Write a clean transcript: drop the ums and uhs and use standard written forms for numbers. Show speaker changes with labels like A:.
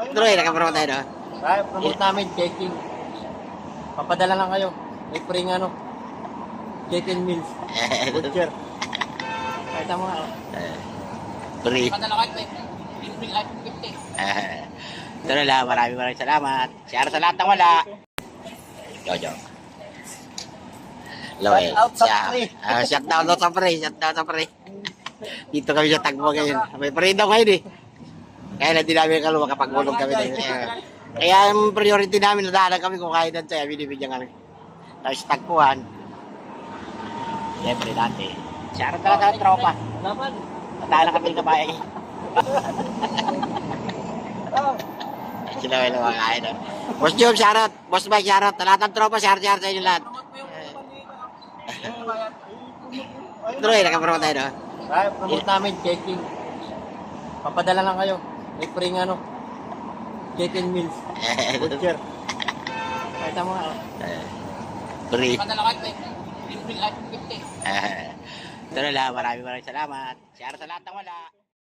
A: Troy, nakapromote tayo, no?
B: Ay, promote namin, checking. Papadala lang kayo. May free ano, chicken meals. Butcher. Kahit mo nga.
A: Free.
B: Padala kayo, may free item 50.
A: Ito na lang, maraming salamat. Share sa lahat ng wala. Jojo. Loel.
B: Shout out sa pre.
A: Shout out sa pre. Shout out sa pre. Dito kami sa Tagbo ngayon. May pre daw ngayon eh. Kaya na di namin kaluwa kapag gulong kami. Kaya ang priority namin, nadahalan kami kung kaya doon sa'yo. Binibigyan kami. Tapos tagpuan. Siyempre dati. Share talaga ng tropa.
B: Laman.
A: Nadahalan kami ng kabayan eh. Sila may mga kain doon. Boss Job, shoutout. Boss Mike, shoutout. Lahat ng tropa, share sa inyo lahat. Troy, nakapromote tayo, no?
B: Ay, promote namin, checking. Papadala lang kayo. May free ano, chicken meals. Butcher. Kahit mo nga.
A: Free.
B: Padala kayo, may free item 50.
A: Ito na lang, maraming salamat. Share sa lahat ng wala.